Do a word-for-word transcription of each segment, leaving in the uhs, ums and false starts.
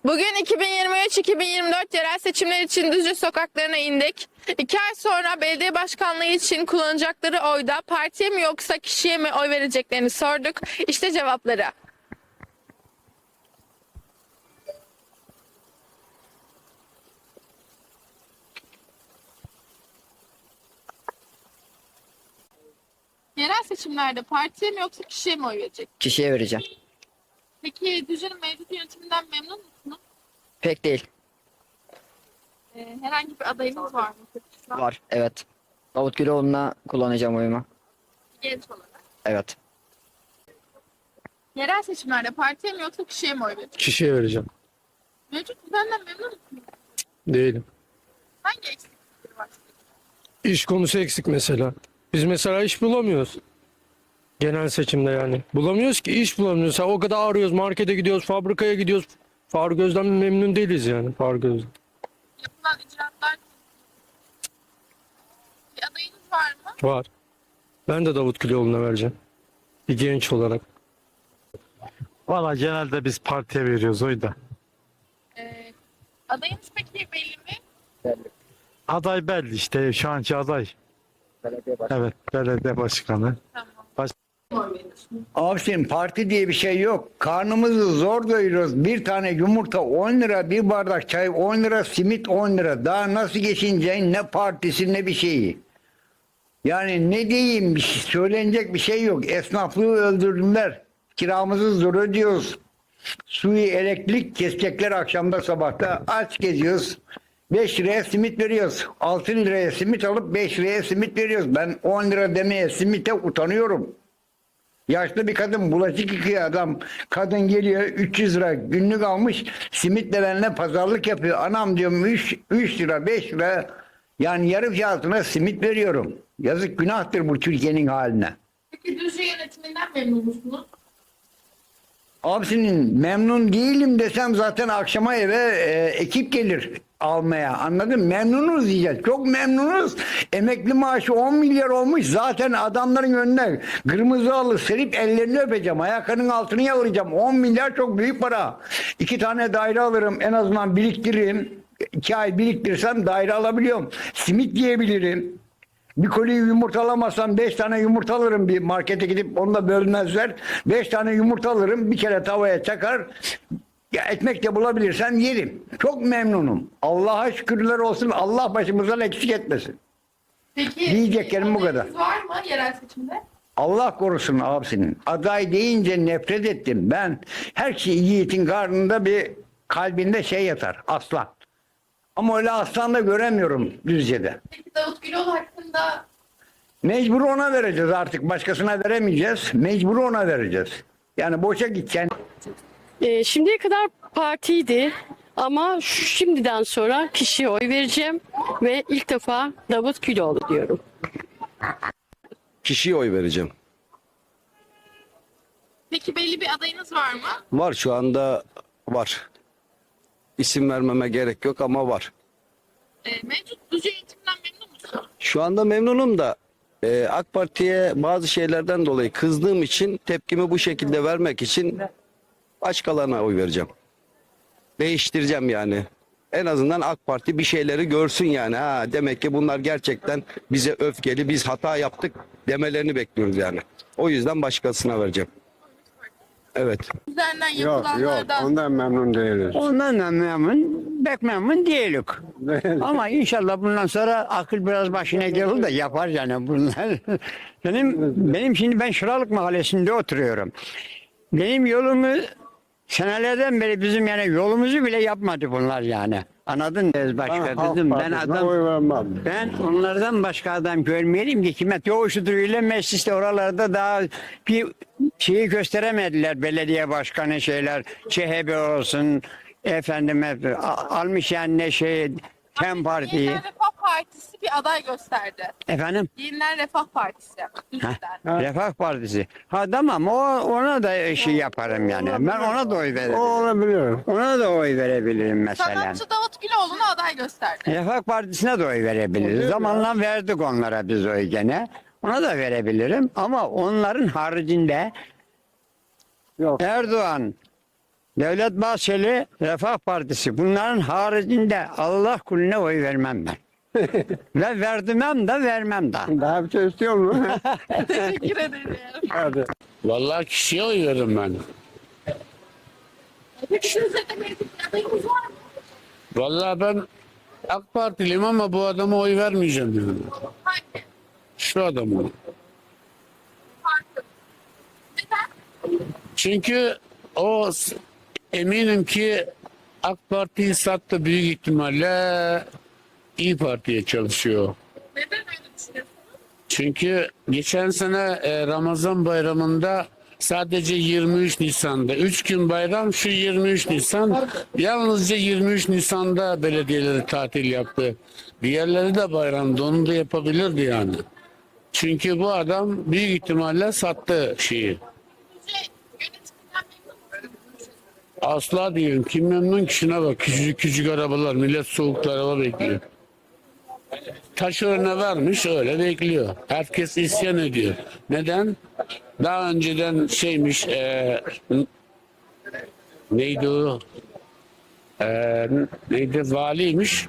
Bugün iki bin yirmi üç iki bin yirmi dört yerel seçimler için Düzce sokaklarına indik. İki ay sonra belediye başkanlığı için kullanacakları oyda partiye mi yoksa kişiye mi oy vereceklerini sorduk. İşte cevapları. Yerel seçimlerde partiye mi yoksa kişiye mi oy verecek? Kişiye vereceğim. Peki Düzce'nin mevcut yönetiminden memnun musunuz? Pek değil. Ee, herhangi bir adayınız var mı? Şu an Var. Evet. Davut Güloğlu'na kullanacağım oyumu. Genç olarak. Evet. Yerel seçimlerde partiye mi yoksa kişiye mi oy verecek? Kişiye vereceğim. Mevcut düzenden memnun musunuz? Değilim. Hangi eksiklikleri var? İş konusu eksik mesela. Biz mesela iş bulamıyoruz. Genel seçimde yani. Bulamıyoruz ki iş bulamıyoruz. Ha, o kadar arıyoruz, markete gidiyoruz, fabrikaya gidiyoruz. Faruk Özden memnun değiliz yani Faruk Özden. Yapılan icraatlar bir adayınız var mı? Var. Ben de Davut Güloğlu'na vereceğim. Bir genç olarak. Valla genelde biz partiye veriyoruz oyu da. Ee, adayınız peki belli mi? Aday belli işte şu anki aday. Belediye başkanı. Evet belediye başkanı. Tamam. Baş- Oy veriyorsunuz. Abicim parti diye bir şey yok. Karnımızı zor doyuruyoruz. Bir tane yumurta on lira, bir bardak çay on lira, simit on lira. Daha nasıl geçineceğin ne partisi ne bir şeyi. Yani ne diyeyim bir şey, söylenecek bir şey yok. Esnaflığı öldürdüler. Kiramızı zor ödüyoruz. Suyu elektrik kesecekler akşamda sabahta. Aç geziyoruz. beş liraya simit veriyoruz. altı liraya simit alıp beş liraya simit veriyoruz. Ben on lira demeye simite utanıyorum. Yaşlı bir kadın bulaşık yıkıyor adam. Kadın geliyor üç yüz lira günlük almış. Simitle benimle pazarlık yapıyor. Anam diyorum üç lira beş lira. Yani yarı fiyatına simit veriyorum. Yazık günahtır bu Türkiye'nin haline. Peki Düzce yönetiminden memnun musunuz? Abisinin memnun değilim desem zaten akşama eve e, ekip gelir almaya. Anladın mı? Memnunuz diyeceğiz. Çok memnunuz. Emekli maaşı on milyar olmuş. Zaten adamların önüne kırmızı halı serip ellerini öpeceğim. Ayaklarının altını yalayacağım. on milyar çok büyük para. İki tane daire alırım. En azından biriktiririm. İki ay biriktirirsem daire alabiliyorum. Simit yiyebilirim. Bir koli yumurta alamazsam beş tane yumurta alırım, bir markete gidip onu da bölmezler. Beş tane yumurta alırım, bir kere tavaya çakar. Ya ekmek de bulabilirsem yerim. Çok memnunum. Allah'a şükürler olsun. Allah başımızdan eksik etmesin. Peki Diyeceklerim bu kadar. adayınız var mı yerel seçimde? Allah korusun abisinin. Aday deyince nefret ettim. Ben her şey yiğitin karnında bir kalbinde şey yatar. Aslan. Ama öyle aslan da göremiyorum Düzce'de. Peki Davut Güloğlu hakkında Mecbur ona vereceğiz artık. Başkasına veremeyeceğiz. Mecbur ona vereceğiz. Yani boşa gideceksin. E, şimdiye kadar partiydi ama şu- şimdiden sonra kişiye oy vereceğim ve ilk defa Davut Güloğlu diyorum. Kişiye oy vereceğim. peki belli bir adayınız var mı? Var şu anda var. İsim vermeme gerek yok ama var. Ee, mevcut Düzce yönetiminden memnun musunuz? Şu anda memnunum da e, AK Parti'ye bazı şeylerden dolayı kızdığım için tepkimi bu şekilde vermek için başkalarına oy vereceğim. Değiştireceğim yani. En azından AK Parti bir şeyleri görsün yani. Ha, demek ki bunlar gerçekten bize öfkeli, biz hata yaptık demelerini bekliyoruz yani. O yüzden başkasına vereceğim. Evet. Üzerinden Yok yok yapılanlardan ondan memnun değiliz. Ondan da memnun, pek memnun değilik. Ama inşallah bundan sonra akıl biraz başına gelir de yapar yani bunlar. benim benim şimdi ben Şıralık Mahallesi'nde oturuyorum. Benim yolumu senelerden beri bizim yani yolumuzu bile yapmadı bunlar yani. Anladın mı? Başka Halk dedim ben Partisi'ne adam oy vermem. ben onlardan başka adam görmeyelim ki kime yoğuşudur ile mecliste oralarda daha bir şeyi gösteremediler belediye başkanı şeyler C H P olsun efendime a- almış yani ne şey Tem Parti'yi Yeniden Refah Partisi bir aday gösterdi. efendim Yeniden Refah Partisi. Düzce'den. Refah Partisi. Ha tamam o ona da şey yaparım yani. Ben ona da oy O veririm. olabilir. Ona da oy verebilirim mesela. Sanatçı Davut Güloğlu'na aday gösterdi. Refah Partisi'ne de oy verebiliriz. Zamanla verdik onlara biz oy gene. Ona da verebilirim ama onların haricinde Yok. Erdoğan, Devlet Bahçeli, Refah Partisi. Bunların haricinde Allah kulüne oy vermem ben. Ve verdirmem de vermem de. Daha bir şey istiyor mu? Teşekkür ederim. Hadi. Vallahi kişiye oy veririm ben. Peki şu üzerinde mevcut bir adayımız var mı? Vallahi ben AK Partiliyim ama bu adama oy vermeyeceğim yani. Hangi? Şu adamı. Farklı. Neden? Çünkü o s- eminim ki AK Parti'yi sattı, büyük ihtimalle İyi Parti'ye çalışıyor. Neden öyle düşünüyorsunuz? Çünkü geçen sene e, Ramazan bayramında sadece yirmi üç Nisan'da üç gün bayram, şu yirmi üç Nisan, yalnızca yirmi üç Nisan'da belediyeleri tatil yaptı. Diğerleri de bayramda, onu da yapabilirdi yani. Çünkü bu adam büyük ihtimalle sattı şeyi. Sizce yönetimden memnun musunuz? Asla diyorum. Kim memnun ki, şuna bak. Küçücük küçük arabalar. Millet soğukta araba bekliyor. Taşörüne vermiş, öyle bekliyor. Herkes isyan ediyor. Neden? Daha önceden şeymiş, e, neydi o? E, neydi? Valiymiş.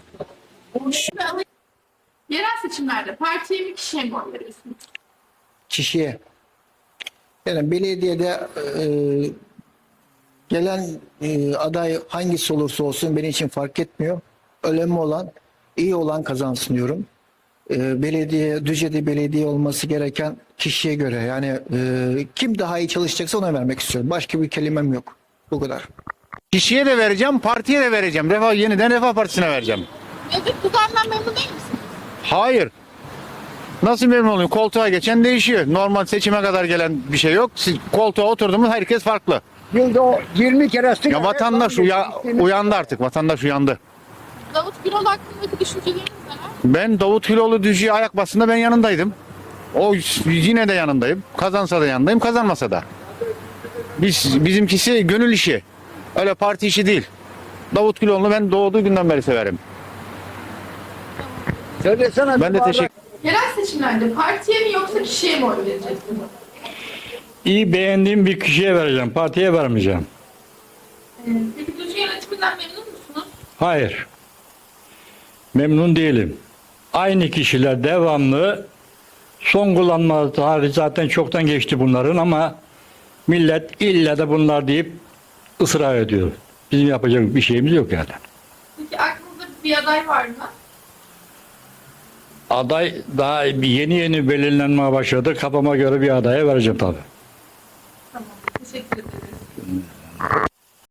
Yerel seçimlerde partiye mi kişiye mi oy veriyorsunuz? Kişiye. Yani belediyede e, gelen e, aday hangisi olursa olsun benim için fark etmiyor. Önemli olan, iyi olan kazansın diyorum. E, belediye, Düzce'de belediye olması gereken kişiye göre, yani e, kim daha iyi çalışacaksa ona vermek istiyorum. Başka bir kelimem yok. Bu kadar. Kişiye de vereceğim, partiye de vereceğim. Refah, yeniden Refah Partisi'ne vereceğim. Mevcut düzenden memnun değil misiniz? Hayır. Nasıl memnun olayım? Koltuğa geçen değişiyor. Normal seçime kadar gelen bir şey yok. Siz koltuğa oturdunuz, herkes farklı. Yılda o yirmi kere sigara. Ya vatandaş uya, uyandı artık. Vatandaş uyandı. Davut Gürol hakkındaki düşünceleriniz neler? Ben Davut Hiloğlu Düzce'ye ayak bastığında ben yanındaydım. O yine de yanındayım. Kazansa da yanındayım, kazanmasa da. Biz, bizimkisi gönül işi. Öyle parti işi değil. Davut Güloğlu'nu ben doğduğu günden beri severim. Söylesene. Ben de teşekkür Yerel seçimlerde partiye mi yoksa kişiye mi oy vereceksiniz? İyi beğendiğim bir kişiye vereceğim. Partiye vermeyeceğim. Ee, Peki Düzce yönetiminden memnun musunuz? Hayır. Memnun değilim. Aynı kişiler devamlı, son kullanma tarihi zaten çoktan geçti bunların ama millet illa da bunlar deyip ısrar ediyor. Bizim yapacak bir şeyimiz yok yani. Peki aklınızda bir aday var mı? Aday daha yeni yeni belirlenmeye başladı. Kafama göre bir adaya vereceğim tabii.